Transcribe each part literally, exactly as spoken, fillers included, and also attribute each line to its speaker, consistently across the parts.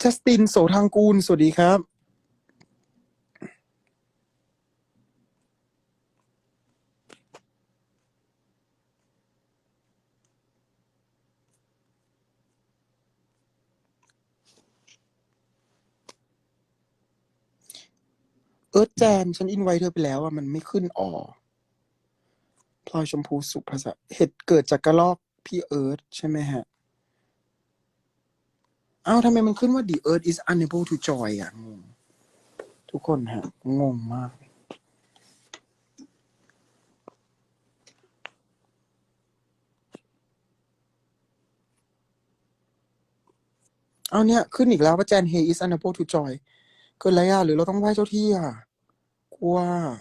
Speaker 1: จัสตินโสทางกูลสวัสดีครับเอิร์ธแจนฉันอินไว้เธอไปแล้วอ่ะมันไม่ขึ้นอ๋อพลอยชมพูสุภาษาเหตุเกิดจากกระลอกพี่เอิร์ธใช่ไหมฮะอ้าวทำไมมันขึ้นว่า the earth is unable to join อ่ะงงทุกคนฮะงงมากเอาเนี่ยขึ้นอีกแล้วว่าแจน hey is unable to join เกิดอะไรอ่ะหรือเราต้องไหว้เจ้าที่อ่ะกลัว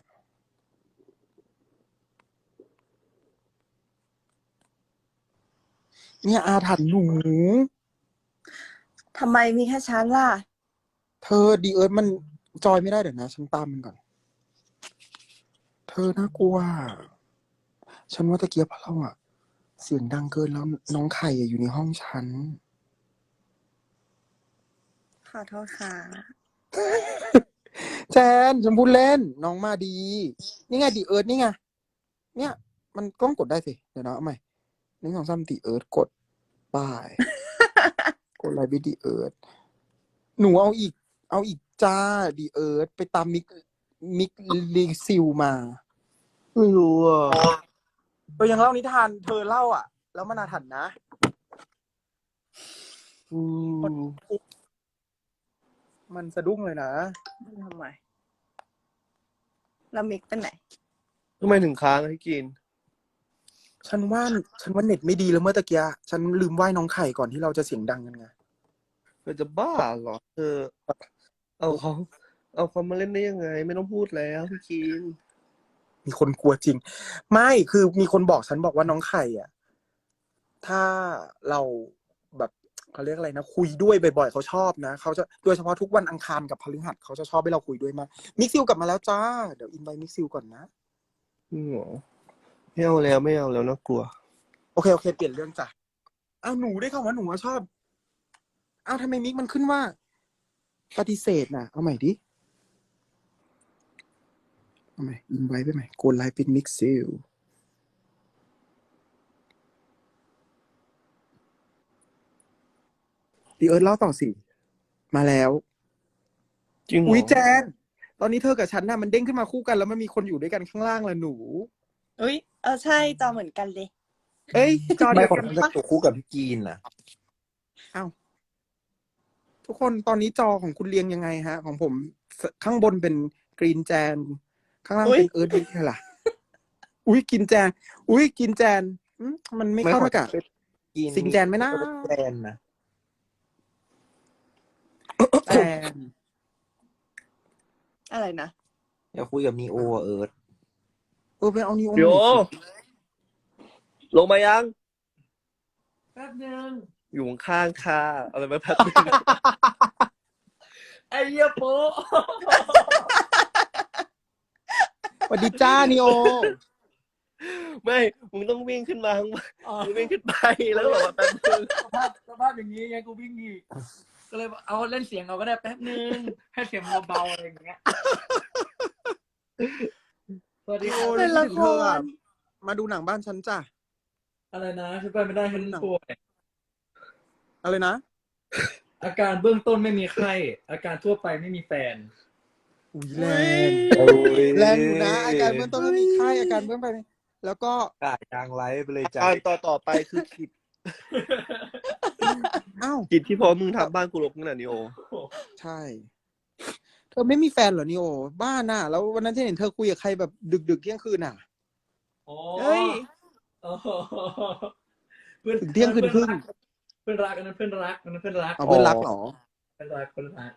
Speaker 1: เนี่ยอาถรรพ์หนู
Speaker 2: ทำไมมีแค่ฉันล่ะ
Speaker 1: เธอ the earth มันจอยไม่ได้เดี๋ยวนะฉันตามมันก่อนเธอน่ากลัวฉันว่าตะเกียบเพราะเราอะเสียงดังเกินแล้วน้องไข่อะอยู่ในห้องฉัน
Speaker 2: ขอโทษค่ะ
Speaker 1: แจนฉันพูดเล่นน้องมาดีนี่ไงดีเอิร์ธนี่ไงเนี่ยมันกล้องกดได้สิเดี๋ยวนะเอาใหม่หนึ่งสองสามดีเอิร์ธกดป้าย กดไลน์วิดีเอิร์ธหนูเอาอีก เอาอีกจ้าดีเอิร์ธไปตามมิกมิกลีซิลมาไม่รู้อ่ะเออยังเล่านิทานเธอเล่าอ่ะ แล้วมันอาถรรพ์นะอืมมันสะดุ้งเลยนะ
Speaker 2: ทำไมแล้วมิกเป็นไหน
Speaker 3: ทำไมถึงค้างให้กิน
Speaker 1: ฉันว่าฉันว่าเน็ตไม่ดีแล้วเมื่อตะกี้ฉันลืมไหว้น้องไข่ก่อนที่เราจะเสียงดังกันไง
Speaker 3: เธอจะบ้าเหรอเธอเอาเขาเอาเขามาเล่นได้ยังไงไม่ต้องพูดแล้วพี่กิน
Speaker 1: มีคนกลัวจริงไม่คือมีคนบอกฉันบอกว่าน้องไข่อ่ะถ้าเราแบบเขาเรียกอะไรนะคุยด้วยบ่อยๆเขาชอบนะเขาจะโดยเฉพาะทุกวันอังคารกับพฤหัสเขาจะชอบให้เราคุยด้วยมากมิกซิลกลับมาแล้วจ้าเดี๋ยวอินไว้มิกซิลก่อนนะ
Speaker 3: จริงเหรอไม่เอาแล้วไม่เอาแล้วน่ากลัว
Speaker 1: โอเคโอเคเปลี่ยนเรื่องจ้ะอ้าวหนูได้เข้ามาหนูชอบอ้าวทำไมมิกมันขึ้นว่าปฏิเสธน่ะเอาใหม่ดิเอาใหม่อินไว้ไปใหม่โกดไลน์เป็นมิกซิลดีเอิร์ธเล่าต่อสิมาแล้ว
Speaker 3: จริงเหร
Speaker 1: อุ้ย
Speaker 3: อ
Speaker 1: แจนตอนนี้เธอกับฉันน่ะมันเด้งขึ้นมาคู่กันแล้วมันมีคนอยู่ด้วยกันข้างล่างละหนู
Speaker 2: อุ้ยเออใช่จอเหมือนกันเลย
Speaker 1: เอ้ยจอ
Speaker 4: ไม่
Speaker 1: เดียว
Speaker 4: คน
Speaker 1: กัน
Speaker 4: นั้นจะ
Speaker 1: ปะ
Speaker 4: ตัวคู่กับพี่กีนนะ
Speaker 1: อ้าวทุกคนตอนนี้จอของคุณเรียงยังไงฮะ ของผมข้างบนเป็นกรีนแจนข้างล่างเป็นเอิร์ธวิทย์ล่ะอุ้ยกินแจนอุ้ยกินแจนอืมมันไม่เข้าด้วยกับ
Speaker 4: กีน
Speaker 1: สิงแจนไหมนะ
Speaker 4: แจนนะ
Speaker 1: แจน
Speaker 2: อะไรนะ
Speaker 4: อยากคุยกับนีโออะเอิร์ธ
Speaker 1: เออไปเอานิว
Speaker 3: โยลงมายังแป๊บนึงอยู่ข้างๆค่ะอะไรมาแป๊บนึง ไอ้เหี้ยโป๊ะ
Speaker 1: สวัสดีจ้านิโอ
Speaker 3: ไม่มึงต้องวิ่งขึ้นมาข้างบนมึงวิ่งขึ้นไปแล้วก็บอกว่าแป๊บนึง
Speaker 5: สภาพสภาพอย่างนี้ไงกูวิ่งอีกก็เลยเอาเล่นเสียงเอาก็ได้แป๊บนึงให้เสียงเบาๆอะไรอย่างเงี้ยสวัสดีค
Speaker 1: โอ้
Speaker 5: รับ
Speaker 1: ย
Speaker 2: เป็นละคร
Speaker 1: เธออะมาดูหนังบ้านฉันจ้ะ
Speaker 5: อะไรนะฉันไปไม่ได้ฉันป่วย
Speaker 1: อะไรนะ
Speaker 5: อาการเบื้องต้นไม่มีไข้อาการทั่วไปไม่มีแฟน
Speaker 1: อุ้ยแรงแรงอยู่นะอาการเบื้องต้นก็มีไข้อาการเบื้องไปนแล้วก็
Speaker 4: กาดยางไลฟ์ไปเลยจ้ะ
Speaker 3: อ่านต่อต่อไปคือคิด
Speaker 1: อ้าว
Speaker 3: คิดที่พอมึงทำบ้านกูรกนั่นน่ะนิโอ
Speaker 1: ใช่ เธอไม่มีแฟนเหรอนิโอบ้าน่ะแล้ววันนั้นที่เห็นเธอคุยกับใครแบบดึกๆเที่ยงคืนน่ะ
Speaker 5: โอ้
Speaker 2: เฮ้ย
Speaker 5: โอ้เพื่อน
Speaker 1: ถึงเที่ยงคืนครึ่ง
Speaker 5: เพื่อนรักอันนั้นเพื่อนรักอันนั้นเพื่อนรัก
Speaker 1: เอาเพื่อนรักเหรอ
Speaker 5: เพื่อนรักเพื่อนรัก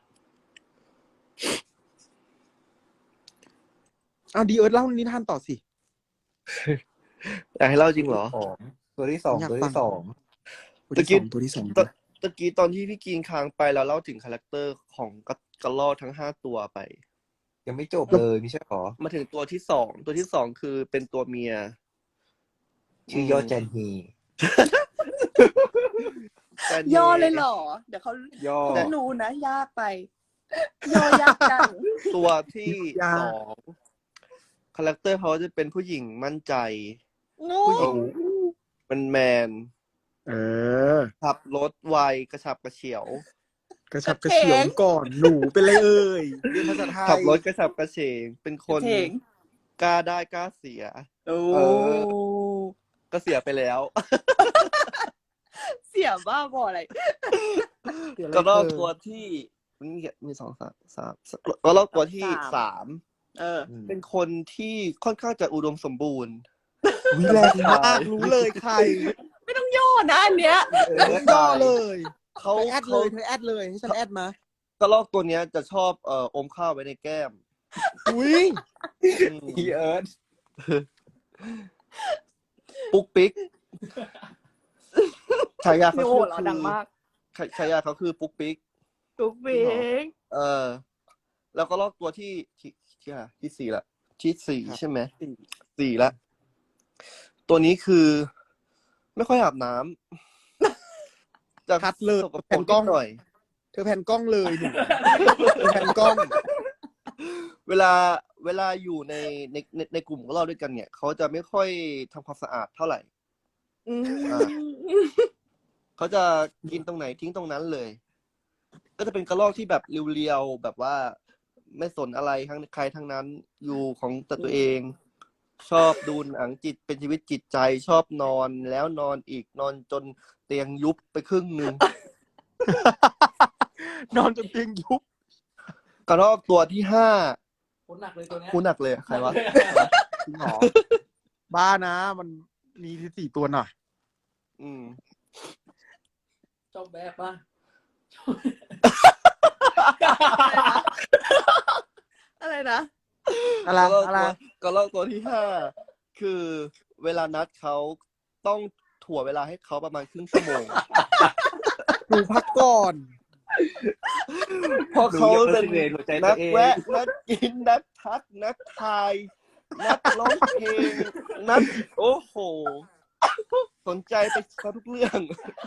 Speaker 1: เอาดีเอิร์ธเล่านิทานต่อสิ
Speaker 3: อยากให้เล่าจริงเหรอ
Speaker 4: สองตัวที่สอง
Speaker 1: อยาก
Speaker 4: ตัว
Speaker 1: ฟัง
Speaker 4: ที่สอง
Speaker 1: ตัวที่สองตัวที่สอง
Speaker 3: ตะตะกี้ตอนที่พี่กีนค้างไปแล้วเล่าถึงคาแรคเตอร์ของกระกระรอกทั้งห้าตัวไป
Speaker 4: ยังไม่จบเลยไม่ใช่หรอ
Speaker 3: มาถึงตัวที่สองตัวที่สองคือเป็นตัวเมีย
Speaker 4: ชื่อยอดแจนฮี
Speaker 3: แต่
Speaker 2: ย่อเลยเหรอ เดี๋ยวเขา
Speaker 4: ย่อ
Speaker 2: เขาไม่รู้นะ ยากไป ย่อยากจัง
Speaker 3: ตัวที่
Speaker 1: ยาก
Speaker 3: สองคาแรคเตอร์เขาจะเป็นผู้หญิงมั่นใจ
Speaker 2: งู
Speaker 3: ผู้หญิงมันแมน
Speaker 1: เออ
Speaker 3: ขับรถไวกระฉับกระเฉว
Speaker 1: กระชับกระเฉียงก่อนหนูเป็นไรเอ่ยเรียนภาษาไทย
Speaker 3: ขับรถกระฉับกระเฉงเป็นคน
Speaker 2: เถ่ง
Speaker 3: กล้าได้กล้าเสีย
Speaker 2: โอ้
Speaker 3: เอ ก็เสียไปแล้ว
Speaker 2: เสียบ้าบออะไร
Speaker 3: ก็รอบตัวที่มีมีสองสามสามก็รอบตัวที่
Speaker 2: สาม
Speaker 3: สาม
Speaker 2: เออ
Speaker 3: เป็นคนที่ค่อนข้างจะอุดมสมบูรณ์
Speaker 1: วิแรงมากรู้เลยใคร
Speaker 2: ไม่ต้องย่อนะอันเนี้ย
Speaker 1: ต้องย่อเลย
Speaker 3: เขา
Speaker 1: เธอแอดเล
Speaker 3: เขา
Speaker 1: ยเธอแอดเลยให้ฉันแอดมา
Speaker 3: กระรอกตัวเนี้ยจะชอบเอ่ออมข้าวไว้ในแก้ม
Speaker 1: อุ้ย
Speaker 3: อืม
Speaker 4: พี่เอิร์ธ
Speaker 3: ปุ๊กปิ๊กฉายาเขา
Speaker 2: โอ้
Speaker 3: คือ
Speaker 2: เราดังมาก
Speaker 3: ฉายาเขาคือปุ๊กปิ๊ก
Speaker 2: ตุ๊กเบ้ง
Speaker 3: เออ แล้วก็ลอกตัวที่ที่ที่อะไรที่สี่ละที่สี่ใช่ไหมสี่ละตัวนี้คือ ไม่ค่อยอาบน้ำจะ
Speaker 1: คัดเลย
Speaker 3: สกปร
Speaker 1: แผ่น
Speaker 3: ก
Speaker 1: กล้
Speaker 3: นิ
Speaker 1: อง
Speaker 3: ดหน่อย
Speaker 1: เธอแผ่นกล้องเลยหนูเธอแผ่นกล้อง
Speaker 3: เวลาเวลาอยู่ในในในในกลุ่มของเราด้วยกันเนี่ย เขาจะไม่ค่อยทำความสะอาดเท่าไหร่
Speaker 2: อืม
Speaker 3: อ่า เขาจะกินตรงไหนทิ้งตรงนั้นเลย ก็จะเป็นกระรอกที่แบบเรียวๆแบบว่าไม่สนอะไรทั้งใครทั้งนั้นอยู่ของแต่ตัวเอง ชอบดูหนังจิตเป็นชีวิตจิตใจชอบนอนแล้วนอนอีกนอนจนเตียงยุบไปครึ่งหนึ่ง
Speaker 1: นอนจนเตียงยุบ
Speaker 3: กระรอกตัวที่ห้า
Speaker 5: คนหนักเลยตัวเนี้ย
Speaker 3: คูหนักเลยใครวะ
Speaker 1: จริงเหรอบ้านะมันมีที่สี่ตัวหน่อย
Speaker 3: อืม
Speaker 5: ชอบแบบป่ะ
Speaker 2: อะไรนะ
Speaker 1: อะไร
Speaker 3: กระรอก
Speaker 1: อะไร
Speaker 3: ตัวกระรอกตัวที่ห้าคือเวลานัดเขาต้องถั่วเวลาให้เขาประมาณครึ่งชั่วโมง
Speaker 1: หนูพักก่อน
Speaker 3: เพราะเขาเป็น
Speaker 4: หนูอย่า personate หัวใจตั
Speaker 3: นั
Speaker 4: ว
Speaker 3: ก
Speaker 4: เอง
Speaker 3: แวะนักกินนักทักนักทายนักร้องเพลงนักโอ้โห สนใจไปทุกเรื่อง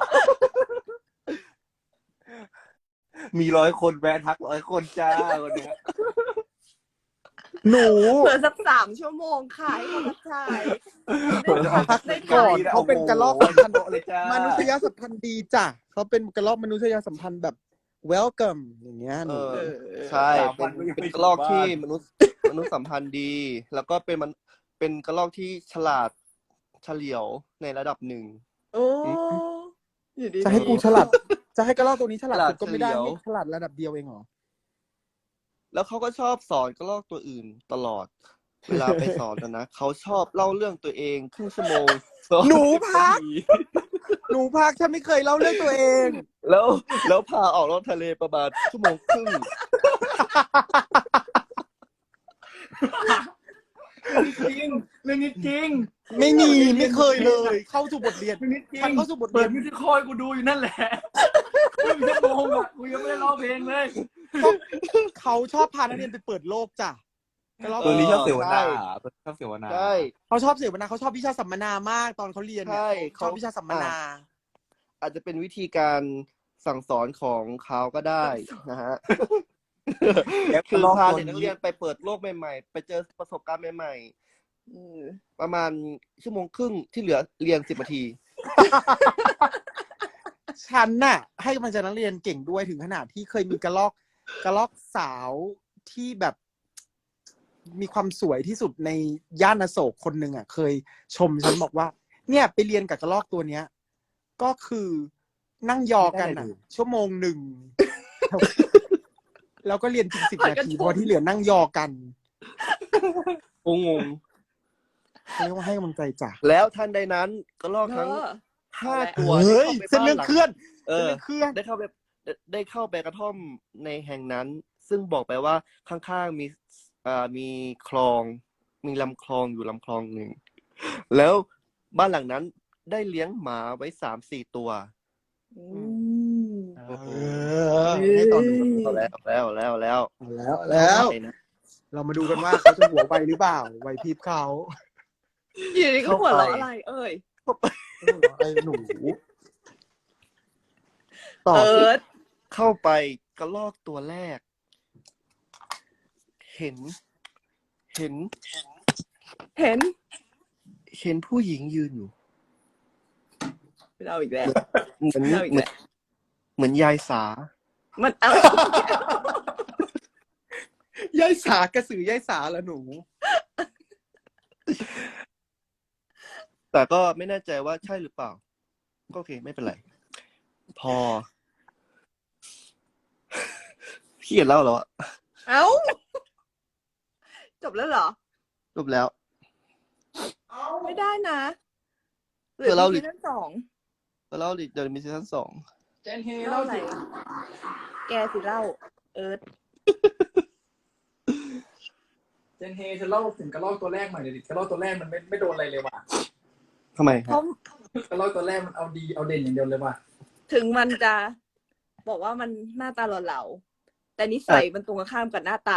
Speaker 4: มีร้อยคนแวะทักร้อยคนจ้าวันเนี้ย
Speaker 1: หนู
Speaker 2: เหลือสักสามชั่วโมงค่ะให้เขาทักทาย
Speaker 1: พัก
Speaker 2: ได้
Speaker 1: ก่อน
Speaker 2: ได้
Speaker 1: เขาเป็นกระรอกสัมพันธ์
Speaker 4: เลยจ้าม
Speaker 1: นุษยสัมพันธ์ดีจ้ะเขาเป็นกระรอกมนุษยสัมพันธ์แบบ welcome อย่างเงี้ยห
Speaker 3: เอ
Speaker 1: นู
Speaker 3: อ
Speaker 2: เออ
Speaker 3: ใช่
Speaker 4: สาม
Speaker 3: เป็
Speaker 4: วัน
Speaker 3: น
Speaker 4: ก็ยัง
Speaker 3: เป็น
Speaker 4: ไม่
Speaker 3: กระรอก
Speaker 4: ถึง
Speaker 3: ที่
Speaker 4: บ้าน
Speaker 3: มนุษย์มนุษยสัมพันธ์ดี แล้วก็เป็นมันเป็นกระรอกที่ฉลาดเฉลียวในระดับหนึ่ง
Speaker 2: โอ้อยู่ดีๆ
Speaker 1: จะให้กูฉลาด จะให้กระรอกตัวนี้ฉลาด
Speaker 3: ฉลาด
Speaker 1: สุดก็ไม่ได้
Speaker 3: เฉลียว
Speaker 1: ให้ฉลาดระดับเดียวเองเหรอ
Speaker 3: แล้วเขาก็ชอบสอนกระรอกตัวอื่นตลอด เวลาไปสอนนะนะเขาชอบเล่าเรื่องตัวเองครึ่งชั่วโมงสอ
Speaker 1: หนูพัก
Speaker 3: นาที
Speaker 1: หนูพักฉันไม่เคยเล่าเรื่องตัวเอง
Speaker 3: แล้วแล้วพาออกรถทะเลประมาณชั่วโมงครึ่ง
Speaker 5: จริงเรื่องนี้จริง
Speaker 1: ไม่มีไม่เคยเลย เข้าสู่บทเรียน
Speaker 5: เรื่องนี้จริง
Speaker 1: ฉันเข้าสู่บท
Speaker 5: เปิ
Speaker 1: เรีย
Speaker 5: ด
Speaker 1: น
Speaker 5: มิวสิคอยกูดูอยู่นั่นแหละครึ่งชั่วโมงอ่ะกูยังไม่ได้ร้องเพลงเลย
Speaker 1: เขาชอบพานักเรียนไปเปิดโลกจ้ะกระรอก
Speaker 4: ตัวนี้ชอบเสวนา
Speaker 3: ใช่
Speaker 4: ตัวนี้ชอบเสวนา
Speaker 3: ใช่
Speaker 1: เขาชอบเสวนาเขาชอบวิชาสัมมนามากตอนเขาเรียนเนี่ย
Speaker 3: ใช่
Speaker 1: ชอบวิชาสัมมนา
Speaker 3: อาจจะเป็นวิธีการสั่งสอนของเขาก็ได้นะฮะ
Speaker 4: แล้ว
Speaker 3: คือ
Speaker 4: รอบ
Speaker 3: พา
Speaker 4: ตัว
Speaker 3: เด็กนัก
Speaker 4: นี้
Speaker 3: เรียนไปเปิดโลกใหม่ๆ ไปเจอประสบการณ์ใหม่
Speaker 2: อืม
Speaker 3: ๆ ประมาณชั่วโมงครึ่งที่เหลือเรียนสิบนาที
Speaker 1: ฉันน่ะ ให้กำลังใจนักเรียนเก่งด้วยถึงขนาดที่เคยมีกระลอกกระลอกสาวที่แบบมีความสวยที่สุดในย่านอโศกคนหนึ่งอ่ะ เคยชมฉันบอกว่า เนี่ยไปเรียนกับกระลอกตัวเนี้ย ก็คือนั่งยอกันอ่ะ ชั่วโมงหนึ่ง แล้วก็เรียนจริงสิบนาทีเพราะที่เหลือนั่งยอกัน
Speaker 3: งง
Speaker 1: เขาเรียกว่าให้กำลังใจจ้ะ
Speaker 3: ๆแล้วทันใดนั้นก็ลอกทั้ง
Speaker 2: เออ
Speaker 3: ห้าตัว
Speaker 1: เฮ้ย
Speaker 3: ได้
Speaker 1: เส้น
Speaker 3: ข้าไป
Speaker 1: เรื่อง
Speaker 3: บ้า
Speaker 1: เคลื่อน
Speaker 3: เอ
Speaker 1: เส้น
Speaker 3: อ
Speaker 1: เรื่องเคลื่อน
Speaker 3: ได้เข้าไปได้ได้เข้าไปกระท่อมในแห่งนั้น ซึ่งบอกไปว่าข้างๆมีอ่ามีคลอง มีลำคลองอยู่ลำคลองหนึ่ง แล้วบ้านหลังนั้นได้เลี้ยงหมาไว้สามสี่ตัว
Speaker 2: อืม
Speaker 1: เออให้ตอนดู
Speaker 3: เอาแล้วแล้วแล้วแล้ว
Speaker 1: เอาแล้วแล้ว
Speaker 3: ไปนะ
Speaker 1: เรามาดูกันว่าเขาจะหัวไวหรือเปล่าไวพริบเขา
Speaker 2: อยู่ดีก็หัวเราะอะไร เอ่ย
Speaker 1: ไอ้หนูต่อ
Speaker 2: เอิ
Speaker 1: สิ
Speaker 2: ร์ธ
Speaker 3: เข้าไปกระลอกตัวแรก เห็น เห็น
Speaker 2: เห็น
Speaker 3: เห็นผู้หญิงยืนอยู่
Speaker 2: เราอีกแล้ว
Speaker 3: เหมือน
Speaker 2: เราอีก
Speaker 3: เหมื
Speaker 2: แล้
Speaker 3: อน
Speaker 2: ว
Speaker 3: เหมือนยายสา
Speaker 2: มันเอา
Speaker 1: ยายสากระสือยายสาละหนู
Speaker 3: แต่ก็ไม่แน่ใจว่าใช่หรือเปล่า ก็โอเคไม่เป็นไร พอ พี่เขียนเล่าแล้วอะ
Speaker 2: เอ้า จบแล้วเหรอ
Speaker 3: จบแล้ว
Speaker 2: ไม่ได้นะหรื
Speaker 3: เดี๋ยวเรา
Speaker 2: ซีซั่นสอง
Speaker 3: เล่าดิเดี๋ยวมีซีซั่นสอง
Speaker 5: เจนเฮ
Speaker 2: เล่า
Speaker 5: เล่า
Speaker 2: อะไร
Speaker 5: สิ
Speaker 2: แกสิเล่า เอิร์ธ
Speaker 5: เจนเฮจะเล่าถึงกระรอกตัวแรกหน่อยเดี๋ยวดิกระรอกตัวแรกมันไม่ไม่โดนอะไรเลยว่ะ
Speaker 3: ทำไมค
Speaker 2: เพ
Speaker 3: รับ
Speaker 2: ราะ
Speaker 5: กระรอกตัวแรกมันเอาดีเอาเด่นอย่างเดียวเลยว่ะ
Speaker 2: ถึงมันจะบอกว่ามันหน้าตาเหล่าๆแต่นิสัยมันตรงกันข้ามกับหน้าตา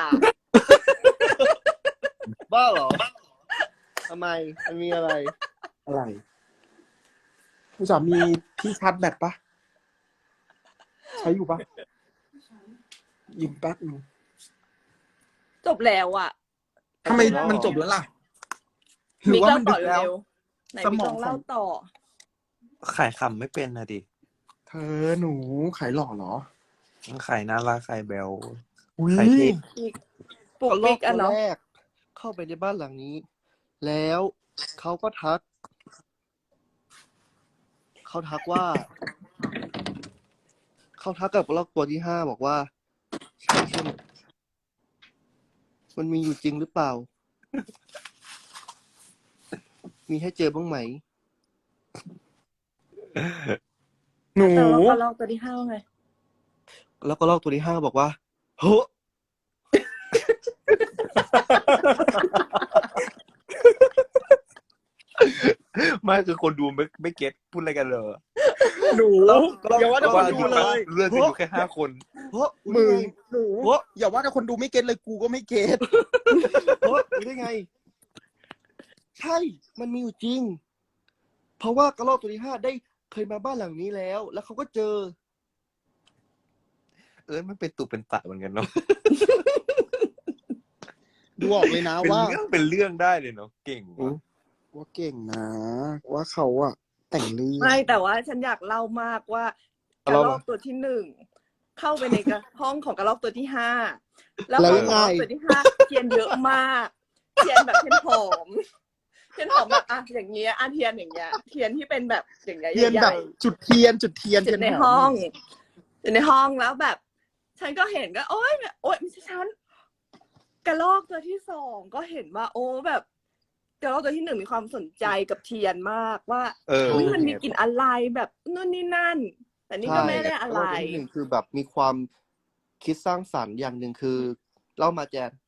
Speaker 3: บ้าเหรอทำไมมันมีอะไร
Speaker 1: อะไรผู้สามีที่ชาร์จแบตปะใช้อยู่ปะยืมแป๊บนึง
Speaker 2: จบแล้วอ่ะ
Speaker 1: ทำไม
Speaker 3: แล้ว
Speaker 1: มันจบแล้วล่ะ หรื
Speaker 2: มิ
Speaker 1: อก ว่า
Speaker 2: เล่า
Speaker 1: มัน
Speaker 2: ต่
Speaker 1: ดึ
Speaker 2: อก
Speaker 1: แล้ว
Speaker 2: เร็วๆไหน
Speaker 1: ส
Speaker 2: มิ
Speaker 1: ม
Speaker 2: ก
Speaker 1: อง
Speaker 2: ลองเล่า
Speaker 1: ของ
Speaker 2: ต่อ
Speaker 4: ขายคำไม่เป็นนะดิ
Speaker 1: เธอหนูขายหล่อเหรอ
Speaker 4: ขายน่ารักขายแบล
Speaker 1: อุ้ย
Speaker 4: ขายเท่
Speaker 2: อีกปลุก
Speaker 3: กระลอ
Speaker 2: ปิ
Speaker 3: ก
Speaker 2: กอ่ะ
Speaker 3: ตัว
Speaker 2: เนาะ
Speaker 3: แรก เข้าไปในบ้านหลังนี้ แล้วเขาก็ทัก เขาทักว่า เขาทักกับกระลอกตัวที่ห้าบอกว่าใช่ใช่ไหมมันมีอยู่จริงหรือเปล่า มีให้เจอบ้างไหม
Speaker 1: หนู
Speaker 2: แต่ว่ากระลอกตัวที่ห้าว่าไง
Speaker 3: แล้วกระลอกตัวที่ห้าบอกว่าเฮ้อ
Speaker 4: ไม่คือคนดูไม่ไม่เก็ตพูดอะไรกันเลย
Speaker 1: หนู อย่าว่าแต่คนดูเลย
Speaker 4: เรื่องกันอยู่แค่ห้าคน
Speaker 3: เฮ้อ
Speaker 1: มึ
Speaker 3: รู้
Speaker 1: ง
Speaker 3: ได้ไง
Speaker 1: หนู
Speaker 3: เฮ้อ
Speaker 1: อย่าว่าแต่คนดูไม่เก็ตเลยกูก็ไม่เก็ต
Speaker 3: เฮ้อรู้ได้ไง ใช่ มันมีอยู่จริง เพราะว่ากระรอกตัวที่ห้าได้เคยมาบ้านหลังนี้แล้ว แล้วเขาก็เจอ
Speaker 4: เออมันเป็นตุเป็นตะเหมือนกันเนาะ
Speaker 1: ดูออกเลยนะ
Speaker 4: เป็น
Speaker 1: ว่า
Speaker 4: เรื่องเป็นเรื่องได้เลยเนาะเก่งว่ะ
Speaker 1: ว่าเก่งนะ ว่าเขาอะแต่งเรื่อง
Speaker 2: ไม่แต่ว่าฉันอยากเล่ามากว่ากระรอกตัวที่หนึ่งเข้าไปในกระห้องของกระรอกตัวที่ห้าแล้วของกระรอกตัวที่ห้าเทียนเยอะมากเทียนแบบเทียนหอมเทียนหอมแบบอ่ะอย่างเงี้ยอ่ะเทียนอย่างเงี้ยเทียนที่เป็นแบบอย่างเงี้ย
Speaker 1: เทียน
Speaker 2: ให
Speaker 1: แบ
Speaker 2: ญ่
Speaker 1: บจุดเทียนจุดเทียน
Speaker 2: ๆอยู่ใน
Speaker 1: เทียม
Speaker 2: ห้องอยู่ในห้องแล้วแบบ ฉันก็เห็นก็ โอ๊ยโอ๊ยไม่ใช่ฉันกระรอกตัวที่สองก็เห็นว่า โอ้แบบกระรอกตัวที่หนึ่งมีความสนใจกับเทียนมากว่า
Speaker 4: เออ
Speaker 2: อุ๊ยมันมีกลิ่นอะไรแบบนู่นนี่นั่น แต่นี่ก็ไม่ได้อะไร
Speaker 3: กรกตัวที่หนึ่งคือแบบมีความคิดสร้างสรรค์อย่างหนึ่งคือเล่ามาแจน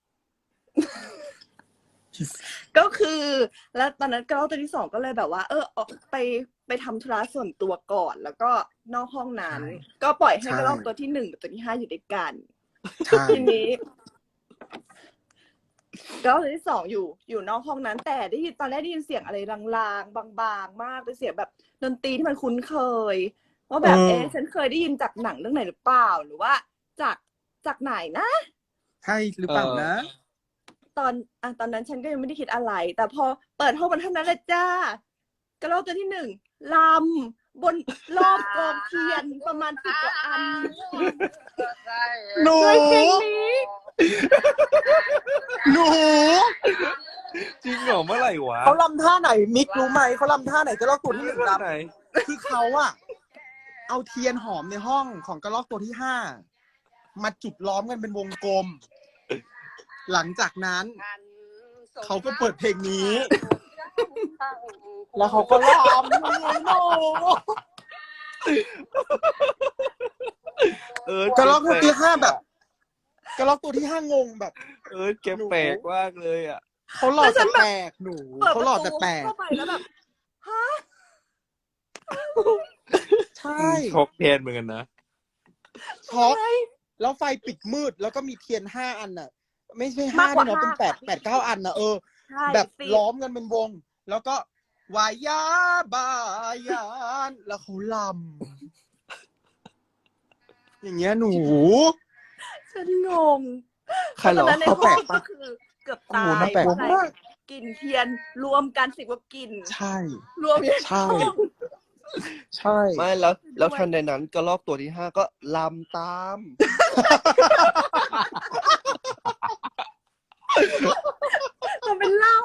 Speaker 2: ก็คือ แล้วตอนนั้นกระรอกตัวที่สองก็เลยแบบว่า เออออกไปไปทำธุระส่วนตัวก่อน แล้วก็นอกห้องนั้น ก็ปล่อยให้กระรอกตัวที่หนึ่งกับตัวที่ห้าอยู่ด้วยกัน
Speaker 1: ใช่
Speaker 2: ทีนี้กระรอกตัวที่สองอยู่ อยู่นอกห้องนั้น แต่ได้ยินตอนแรกได้ยินเสียงอะไรลางๆบางๆมากเป็นเสียงแบบดนตรีที่มันคุ้นเคยว่าแบบเอ๊ะฉันเคยได้ยินจากหนังเรื่องไหนหรือเปล่า หรือว่าจากจากไหนนะ
Speaker 1: ใช่หรือเปล่านะ
Speaker 2: ตอนอ่ะตอนนั้นฉันก็ยังไม่ได้คิดอะไร แต่พอเปิดห้องมันเท่านั้นแหละจ้ากระรอกตัวที่หนึ่งลำบนรอบกองเทียนประมาณสิบกว่าอัน
Speaker 1: หนู
Speaker 2: ด้วยเพลงนี้
Speaker 1: หนู
Speaker 4: จริงเหรอเมื่อไหร่วะ
Speaker 1: เขาลำท่าไหนมิกรู้ไหมเขาลำท่าไหนกระรอกตัวที่หนึ่ง
Speaker 4: เมื่
Speaker 1: ล
Speaker 4: อไหร่
Speaker 1: ำคือเขาอะเอาเทียนหอมในห้องของกระรอกตัวที่ห้ามาจุดล้อมกันเป็นวงกลม หลังจากนั้น เขาก็เปิดเพลงนี้ แล้วเขาก็ลำหนู
Speaker 4: เออก
Speaker 1: ระรอกตัวที่ห้าแบบกระรอกตัวที่ห้างงแบบ
Speaker 4: เออแกแปลกมากเลยอ่ะ
Speaker 1: เขาหล่อแต่แปลกหนู
Speaker 2: เปิด
Speaker 1: เขา
Speaker 2: ประ
Speaker 1: หล่อ
Speaker 2: ตู
Speaker 1: แต่แปลก
Speaker 2: เข้าไปแล้วแบบฮะ
Speaker 1: ใช่
Speaker 4: ช็อกแทนเหมือนกันนะ
Speaker 1: ช็อกแล้วไฟปิดมืดแล้วก็มีเทียนห้าอันน่ะ ไม่ใช่ห้าม
Speaker 2: ากกว่า
Speaker 1: ด้วยเนาะเป็น
Speaker 2: ห้า
Speaker 1: แปด
Speaker 2: ค่ะ
Speaker 1: แปดเก้าอันน่ะเออ
Speaker 2: ใช่
Speaker 1: แบบ
Speaker 2: สิ
Speaker 1: ล้อมกันเป็นวง แล้วก็วายาบายานแล้วเขาลอย่างเงี้ยหนู
Speaker 2: ฉันงง
Speaker 3: ใครเหรอ
Speaker 2: ตอนนั้นใน
Speaker 1: เขา
Speaker 2: ห้
Speaker 1: แปล
Speaker 2: อง
Speaker 1: กปะ
Speaker 2: ก็คือเกือบ
Speaker 1: โอ้
Speaker 2: ตา
Speaker 1: โห
Speaker 2: ย
Speaker 1: น่าแปลก
Speaker 2: เพราะอะไร
Speaker 1: มาก
Speaker 2: กลิ่นเทียนรวมกันสิบกว่ากลิ่น
Speaker 1: ใช่
Speaker 2: รวมอยู่ใน
Speaker 1: ใช่
Speaker 2: ห้อง
Speaker 1: ใช่
Speaker 3: ไม่แล้วแล้ว
Speaker 2: ด้วย
Speaker 3: ทันใดนั้นกระรอกตัวที่ห้าก็ลำตาม
Speaker 2: ทำเป็นเหล้า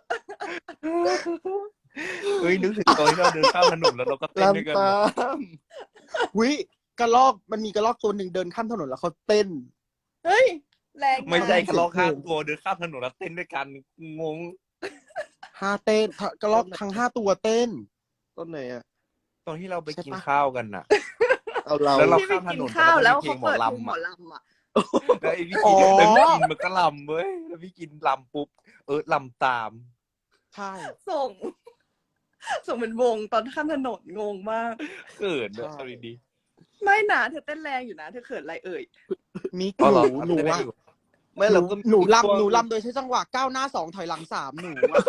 Speaker 4: เฮ้ยนึกถึงตอนที่เราเดินข้ามถนนแล้วเราก็เต้นด้วยกัน
Speaker 3: ลำตาม
Speaker 1: วิกระลอกมันมีกระลอกตัวหนึ่งเดินข้ามถนนแล้วเขาเต้น
Speaker 2: เฮ้ย แรง
Speaker 4: ไม่ใช่
Speaker 2: าก
Speaker 4: กระลอกข้ามตัวเดินข้ามถนนแล้วเต้นด้วยกันงง
Speaker 1: ห้าเต้นกระลอกทั้งห้าตัวเต้น
Speaker 3: ต้นไหนอ่ะ
Speaker 4: ตอนที่เราไป
Speaker 1: ใช่
Speaker 4: กิน
Speaker 1: ปะ
Speaker 4: ข้าวกันน่ะ
Speaker 3: เอาเรา
Speaker 4: แล้วเรา
Speaker 2: ที่ไปกินข้าวแล้วเขาเปิดเพลงหมอลำอ่ะ
Speaker 4: แล้วไอ้พี่
Speaker 1: อ๋
Speaker 4: กิ
Speaker 1: อ
Speaker 4: นแล้วพี่กินมันก็ลำเว้ยแล้วพี่กินลำปุ๊บเออลำตาม
Speaker 1: ใช่
Speaker 2: ส่ง ส่งเป็นวงตอนข้ามถนนงงมาก
Speaker 4: เกิดเลยเอาดี
Speaker 2: ไม่นะเธอเต้นแรงอยู่นะ เธอเขินอะไรเอ่ย
Speaker 1: มิก
Speaker 4: ๆอ๋อ
Speaker 1: ห
Speaker 4: เหรอ
Speaker 1: นูหนู
Speaker 4: เต้นได้
Speaker 1: อะ
Speaker 4: อยู่
Speaker 3: ไม่
Speaker 1: ห
Speaker 3: เรา
Speaker 1: นู
Speaker 3: ก็
Speaker 1: หนู
Speaker 3: ช่วง
Speaker 1: ลำหนูลำโดยใช้จังหวะก้าวหน้าสองถอยหลังสามหนูอะ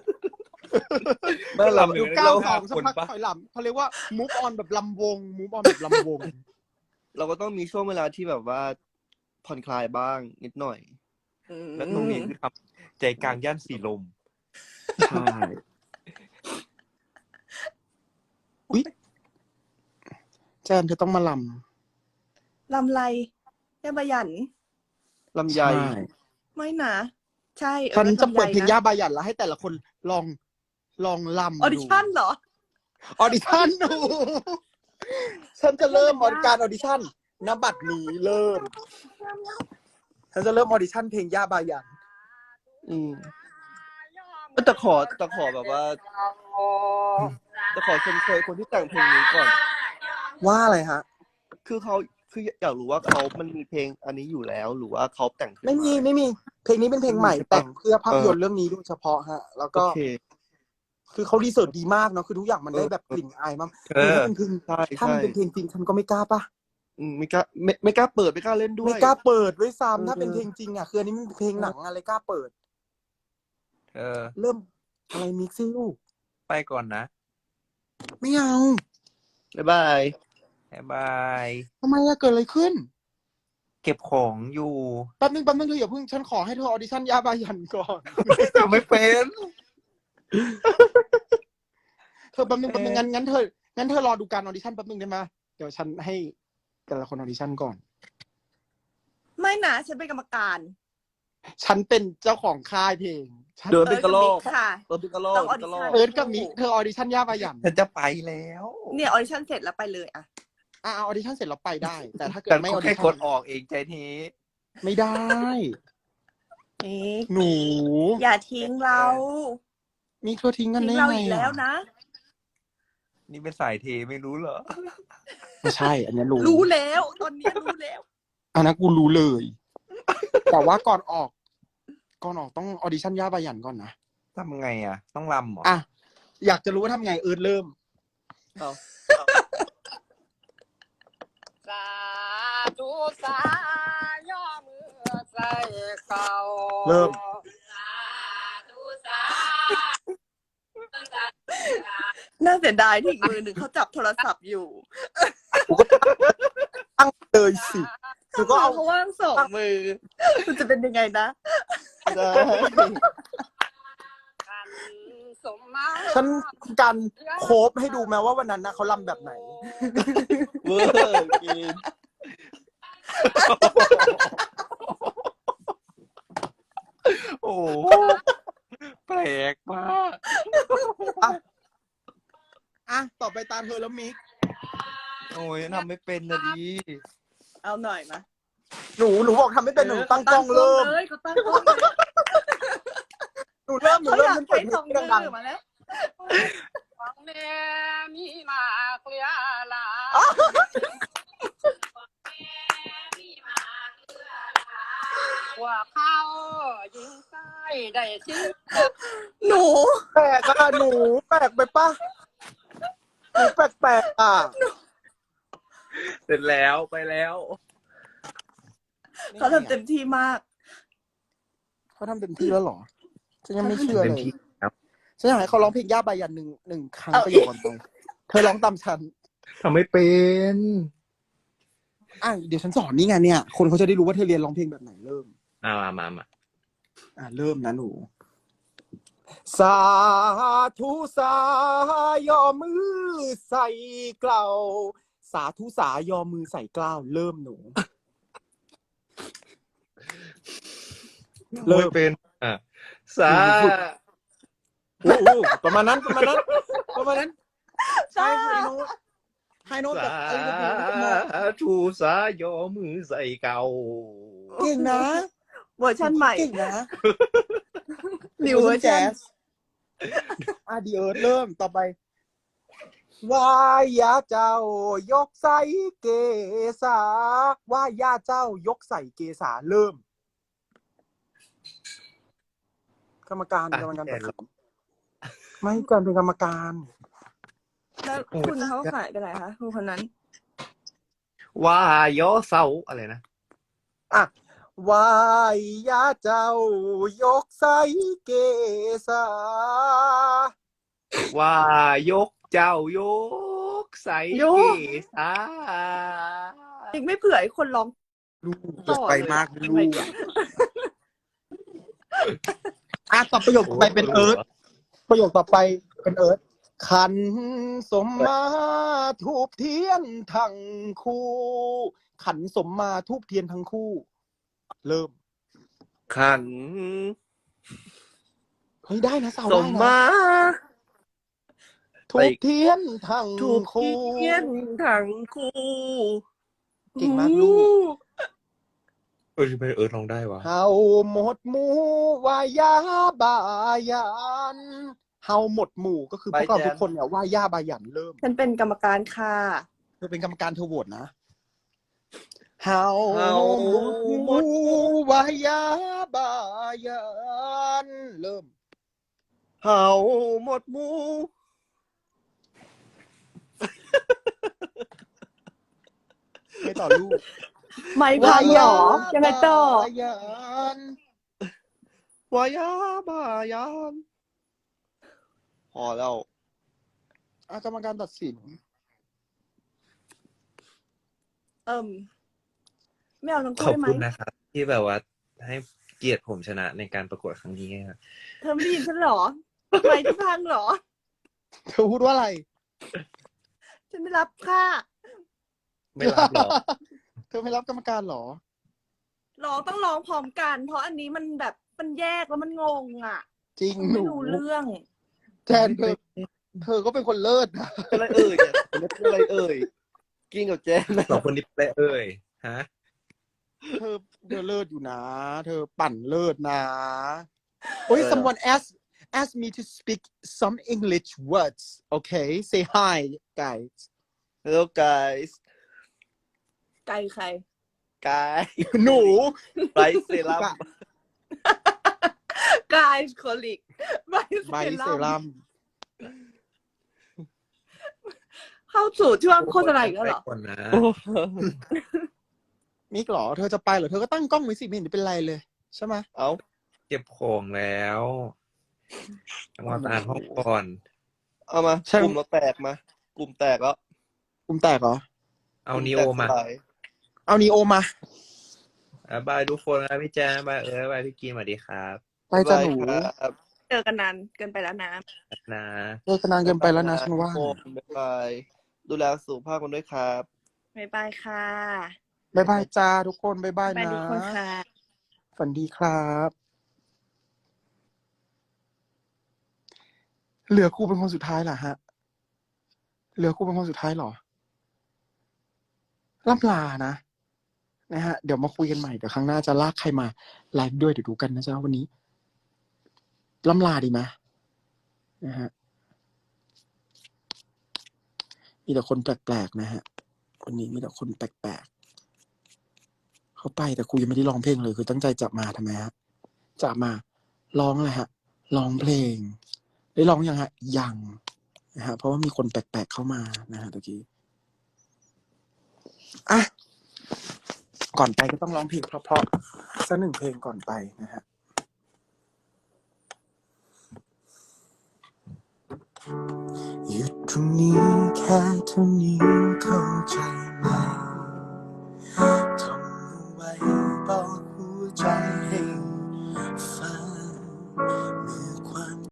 Speaker 3: ไม่
Speaker 4: ลำ
Speaker 3: เรา
Speaker 4: ห
Speaker 1: ห
Speaker 4: นึ่
Speaker 1: นู
Speaker 4: ง
Speaker 1: ก้าวส
Speaker 4: ห้า
Speaker 1: องสัก
Speaker 4: คน
Speaker 1: พัก
Speaker 4: ปะ
Speaker 1: ถอยหลังเขาเรียกว่า move on แบบลำวง move on แบบลำวง
Speaker 3: เราก็ต้องมีช่วงเวลาที่แบบว่าผ่อนคลายบ้างนิดหน่อย
Speaker 4: แล้วตรงนี้คือทำใจกลางย่านสีลม
Speaker 1: ใช่อุ๊ยแจนเธอต้องมาล
Speaker 2: ลำไรแย่บายัน
Speaker 3: ลำ
Speaker 1: ำ
Speaker 3: ไย
Speaker 2: ไม่นะ ใช่
Speaker 1: ฉันจะเปิดเพลงย่า
Speaker 2: บ
Speaker 1: บายันแล้วให้แต่ละคนลองลองลำ
Speaker 2: ออดิชั่นเหรอ
Speaker 1: ออดิชั่นดู ฉันจะเริ่มออการออดิชั่นนบัตรนี้เริ่ม ฉันจะเริ่มออดิชั่นเพลงย่าบายัน
Speaker 3: อืมแต่ขอแต่ขอแบบว่าจะขอชมเชยคนที่แต่งเพลงนี้ก่อน
Speaker 1: ว่าอะไรฮะ
Speaker 3: คือเขาคืออยากรู้ว่าเขามันมีเพลงอันนี้อยู่แล้ว หรือว่าเขาแต่งขึ้น
Speaker 1: ไม่มี
Speaker 3: า
Speaker 1: ไม่มี เพลงนี้เป็นเพลงใหม่
Speaker 3: ใช่ปะ
Speaker 1: แต่งเพื่อภาพยนต
Speaker 3: เอ
Speaker 1: ร์
Speaker 3: อ
Speaker 1: เรื่องนี้โดยเฉพาะฮะ แล้ว
Speaker 3: โอ
Speaker 1: ก็
Speaker 3: เค
Speaker 1: คือเขารีเสิร์ชดีมากเนาะคือทุกอย่างมันได้แบบกลิ่นอายมาก
Speaker 4: เออ
Speaker 1: คือถ้าเป็นเพลง
Speaker 3: ใช่
Speaker 1: ถ้ามัน
Speaker 3: ใช่
Speaker 1: เป็นเพลงจริงฉันก็ไม่กล้าปะ
Speaker 3: อืมไม่กล้าไม่ไม่กล้าเปิดไม่กล้าเล่นด้วย
Speaker 1: ไม่กล้าเปิดด้วยซ้ำถ้า
Speaker 3: เออ
Speaker 1: เป็นเพลงจริงอ่ะคืออันนี้มันเป็นเพลงหนังอะไรกล้าเปิด
Speaker 4: เออ
Speaker 1: เริ่มอะไรมิกซี่ลูก
Speaker 4: ไปก่อนนะ
Speaker 1: ไม่เอา
Speaker 3: บ๊ายบาย
Speaker 4: บ๊ายบาย
Speaker 1: ทำไมอะเกิดอะไรขึ้น
Speaker 4: เก็บของอยู่
Speaker 1: แป๊บนึงแป๊บนึงเธออย่าเพิ่งฉันขอให้เธอออดิชั่นย่าบายันก่อน
Speaker 4: แต่ไม่เป็น
Speaker 1: เธอแป๊บนึงแป๊บนึงงั้นงั้นเธองั้นเธอรอดูการออดิชั่นแป๊บนึงได้ไหมเดี๋ยวฉันให้แต่ละคนออดิชั่นก่อน
Speaker 2: ไม่นะฉันเป็นกรรมการ
Speaker 1: ฉันเป็นเจ้าของค่ายเพลงฉัน
Speaker 3: เดินเป็นกระโหลก
Speaker 2: เอิร์ธกับมิค่ะ
Speaker 3: เดินเป็นกระโหลก
Speaker 2: ต้อง
Speaker 3: เป็นกระโหลก
Speaker 2: audition
Speaker 1: เอิร์ธกับมิกเธอออดิชั่นย่าบายัน
Speaker 4: ฉันจะไปแล้ว
Speaker 2: เนี่ยออดิชั่นเสร็จแล้วไปเลยอะ
Speaker 1: อ่ะเอาออดิชั่นเสร็จเราไปได้ แต่ถ้าเกิด
Speaker 4: แต่
Speaker 1: ไม่อ
Speaker 4: ก็
Speaker 1: อดิ
Speaker 4: แค่
Speaker 1: ชั่
Speaker 4: ก
Speaker 1: น
Speaker 4: ดออกเองใจที
Speaker 1: ไม่ได้
Speaker 2: นี่
Speaker 1: หนู
Speaker 2: อย่าทิ้งเรา
Speaker 1: มิกเธอทิ้งกัน
Speaker 2: ทิ้ง
Speaker 1: ได้
Speaker 2: เรา
Speaker 1: ไง
Speaker 2: อีกแล้วนะ
Speaker 4: นี่เป็นสายเทไม่รู้เหรอ
Speaker 1: ไม่ใช่ อันนี้รู้
Speaker 2: รู้แล้วตอนนี้รู้แล้ว
Speaker 1: อันนั้นกูรู้เลย แต่ว่าก่อนออก ก่อนออกต้องออดิชั่นย่าบายันก่อนนะ
Speaker 4: ทำไงอ่ะ ต้องลำเหรอ
Speaker 1: อ่ะอยากจะรู้ว่าทำไงเอิร์ธเริ่ม
Speaker 3: เอา
Speaker 6: สาธุสาย่อมือใส่เขา
Speaker 1: เริ่ม
Speaker 6: สาธุสา
Speaker 2: น่าเสียดายที่อีกมือหนึ่งเขาจับโทรศัพท์อยู่
Speaker 1: ตั้งเลยสิหนูก็เอา
Speaker 2: เขาว่างสองมือ มันจะเป็นยังไงนะ
Speaker 3: ได้
Speaker 6: กันสมมา
Speaker 1: ฉันการโคฟให้ดูแม้ว่าวันนั้นนะเขาลำแบบไหน
Speaker 3: เวอร์กิน
Speaker 4: โอ้โหแปลกมาก
Speaker 1: อ่ะ ต่อไปตามเธอแล้วมิก
Speaker 4: โอ้ยทำไม่เป็นนะดิ
Speaker 2: เอาหน่อยมา
Speaker 1: หนูหนูบอกทำไม่เป็นหนูตั้งกล้องเริ่ม
Speaker 2: เลยเขาตั้งกล้องเลย
Speaker 1: หนูเริ่มหนู
Speaker 2: เขา
Speaker 1: เริ่
Speaker 2: อ
Speaker 1: ม
Speaker 2: ยาก
Speaker 1: ฉันเปิ
Speaker 2: ใช้
Speaker 1: ดเพ
Speaker 2: ส
Speaker 1: ล
Speaker 2: อง
Speaker 1: ง
Speaker 2: มื
Speaker 1: ดัง
Speaker 2: อมาแล้ว
Speaker 6: ฟังแม่มีมาเกลียลาว่าเขายิงใต้ได้ชื่อ
Speaker 2: หนู
Speaker 1: ๆแปลกอะหนูแปลกไปปะหนูแปลกๆอ่ะ
Speaker 4: เสร็จแล้วไปแล้ว
Speaker 2: เขาทำเต็มที่มาก
Speaker 1: เขาทำเต็มที่แล้วเหรอ ฉันยังไม่เชื่อ
Speaker 4: เต็
Speaker 1: เล
Speaker 4: ม
Speaker 1: ย
Speaker 4: ที่ครับ
Speaker 1: ฉันอยากให้เขาร้องเพลงย่าบายันหนึ่งหนึ่งครั้ง
Speaker 2: เอา
Speaker 1: ประโยคก่อนไปเธอร้องตามฉัน
Speaker 4: ทำไม่เป็น
Speaker 1: อ่ะเดี๋ยวฉันสอนนี่ไงเนี่ย คนเขาจะได้รู้ว่าเธอเรียนร้องเพลงแบบไหนเริ่ม
Speaker 4: มามามามา
Speaker 1: อ่ะเริ่มนะหนู สาธุสายอมือใส่เกล้าสาธุสายอมือใส่เกล้าเริ่มหนู เริ่
Speaker 4: ไม่
Speaker 1: ม
Speaker 4: เป็นอ่ะสา
Speaker 1: โอ้โหประมาณนั้นประมาณนั้นประมาณนั้นใช่ไฮโน้ตไฮโน้ต
Speaker 4: สา
Speaker 1: แบบอะไรแบบนี้มอง
Speaker 4: ธุสายอมือใส่เก่า
Speaker 1: เก่งนะ
Speaker 2: เวอร์ชันใหม่
Speaker 1: เก่งนะ
Speaker 2: นิวเวอร์ชัน
Speaker 1: อ่ะดีเอิร์ธเริ่มต่อไปวายาเจ้ายกใส่เกษาวายาเจ้ายกใส่เกษาเริ่ม กรรมการ
Speaker 4: อ่ะ
Speaker 1: กรรมการ
Speaker 4: แก
Speaker 1: ตัด
Speaker 4: น
Speaker 1: สินไม่การเป็นกรรมการ
Speaker 2: แล้วคุณเขาขายไปไหนคะคุณคนนั้น
Speaker 4: ว่ายอเสาอะไรนะ
Speaker 1: อ่ะวายาเจ้ายกใส่เกษา
Speaker 4: ว่ายกเจ้ายกใส่
Speaker 2: ย
Speaker 4: เก
Speaker 2: ก
Speaker 4: ษา
Speaker 2: อีกไม่เผื่อให้คนร้อง
Speaker 1: ลูก
Speaker 2: ต่อ
Speaker 1: ไป
Speaker 2: เลย
Speaker 1: มาก
Speaker 2: อะ
Speaker 1: ลูกอ่ะต่อประโยคต่อไปเป็นเอิร์ธประโยคต่อไปเป็นเอิร์ธขันสมมาทูบเทียนทั้งคู่ ขันสมมาทูบเทียนทั้งคู่ เริ่ม
Speaker 4: ขัน
Speaker 1: เฮ้ยได้นะสาว
Speaker 4: ส
Speaker 1: ได้
Speaker 4: ม
Speaker 1: นะ
Speaker 4: มา
Speaker 1: ทูบเทียนทั้ง
Speaker 4: ถูก
Speaker 1: คู่
Speaker 4: เทียนทั้งคู่
Speaker 1: เก่งมากลูก
Speaker 4: เออทำไมเออร้องได้วะ
Speaker 1: เฮาหมดหมู่วายาบายันเฮาหมดหมู่ก็คือพวกเรา
Speaker 3: บายแจน
Speaker 1: ทุกคนเนี่ยว่ายาบายันเริ่ม
Speaker 2: ฉันเป็นกรรมการค่ะ
Speaker 1: เธอเป็นกรรมการเธอโหวตนะเฮา
Speaker 4: เฮา
Speaker 1: หมดหมู่วายาบายันเริ่ม
Speaker 3: เฮาหมดหมู
Speaker 1: ไม่ต่อลูก
Speaker 2: ไม่พังเหรอ ยังไงต่อ
Speaker 1: บายัน
Speaker 3: วายาบายานพอแล้ว
Speaker 1: อ่ะกรรมการตัดสิน
Speaker 2: เอิ่มไม่เอาทั้ง
Speaker 4: ข
Speaker 2: คู่
Speaker 4: อบ
Speaker 2: ได้ไหม
Speaker 4: คุณนะครับ ที่แบบว่าให้เกียรติผมชนะในการประกวดครั้งนี้ครับ
Speaker 2: เธอไม่ได้ยินฉันเหรอไม่ที่พังเหรอ
Speaker 1: เธอพูดว่าอะไร
Speaker 2: ฉันไม่รับค่ะ
Speaker 4: ไม่รับหรอ
Speaker 1: เธอไม่รับกรรมการเหรอ
Speaker 2: ร้องต้องร้องพร้อมกัน เพราะอันนี้มันแบบมันแยกแล้วมันงงอ่ะ
Speaker 1: จริงห
Speaker 2: ไม่
Speaker 1: นู
Speaker 2: รู้เรื่อง
Speaker 1: แจนเธอเธอก็เป็นคนเลิศนะ
Speaker 3: เป็นอะไรเอ่ยเนี่ยเป็นอะไรเอ่ยกินกับแจนนะ
Speaker 4: สองคนนี้เป็นอะไรเอ่ยฮะ
Speaker 1: เธอเธอเลิศอยู่นะ เธอปั่นเลิศนะโอ้ย someone asked asked me to speak some English words okay say hi guys
Speaker 3: Hello guys
Speaker 2: ไกลใคร
Speaker 3: กาย
Speaker 1: หนู
Speaker 3: ไบเซรั่ม
Speaker 2: กายโคลิกไบ
Speaker 1: ไบ
Speaker 2: เซ
Speaker 1: เซ
Speaker 2: รั่
Speaker 1: รั่
Speaker 2: ม
Speaker 1: ม
Speaker 2: เข้าสู่ช่วงโฆษณาอีกแล้วเหรอ
Speaker 4: ไปก่อนนะ
Speaker 1: มิกเหรอ เธอจะไปเหรอ เธอก็ตั้งกล้องไว้สิไม่เห็นจะเป็นไรเลย ใช่ไหม
Speaker 3: เอา
Speaker 4: เก็บของแล้วมาอ่านห้องก่อน
Speaker 3: เอามากลุ่มเราแตกมากลุ่มแตกแล้ว
Speaker 1: กลุ่มแตกเหรอ
Speaker 4: เอานีโอมา
Speaker 3: กลุ่แตกสลย
Speaker 1: เอานีโอมา
Speaker 4: อ่ะบายทุกคนนะพี่แจ๊บายเออบายพี่กีนสวัสดีครับ
Speaker 1: ไปจ้ะหนู
Speaker 3: ครับ
Speaker 2: เจอกันนานเกินไปแล้วนะ
Speaker 4: นะ
Speaker 1: เลิกนานเกินไปแล้วนะฉันว่า
Speaker 3: โอ้บ๊ายบายดูแลสุขภาพกันด้วยครับ
Speaker 2: บ๊ายบายค่ะ
Speaker 1: บายบายจ้าทุกคนบายบาย
Speaker 2: ไป
Speaker 1: นะ
Speaker 2: ทุกคนค่ะ
Speaker 1: ฝันดีครับ เหลือครูเป็นคนสุดท้ายเหรอฮะ เหลือครูเป็นคนสุดท้ายเหรอล่ำลานะนะฮะ เดี๋ยวมาคุยกันใหม่เดี๋ยวครั้งหน้าจะลากใครมาไลฟ์ด้วยเดี๋ยวดูกันนะจ๊ะวันนี้ล่ำลาดีไหมนะฮะมีแต่คนแปลกๆนะฮะวันนี้มีแต่คนแปลกๆเขาไปแต่ครูยังไม่ได้ร้องเพลงเลยคือตั้งใจจะมาทำไมฮะจะมาร้องอะไรฮะร้องเพลงได้ร้องยังฮะยังนะฮะเพราะว่ามีคนแปลกๆเข้ามานะฮะตะกี้อ่ะก่อนไปก็ต้องร้องเพลงเพราะๆสักหนึ่งเพลงก่อนไปนะฮะหยุดตรงนี้แค่เท่านี้เข้าใจ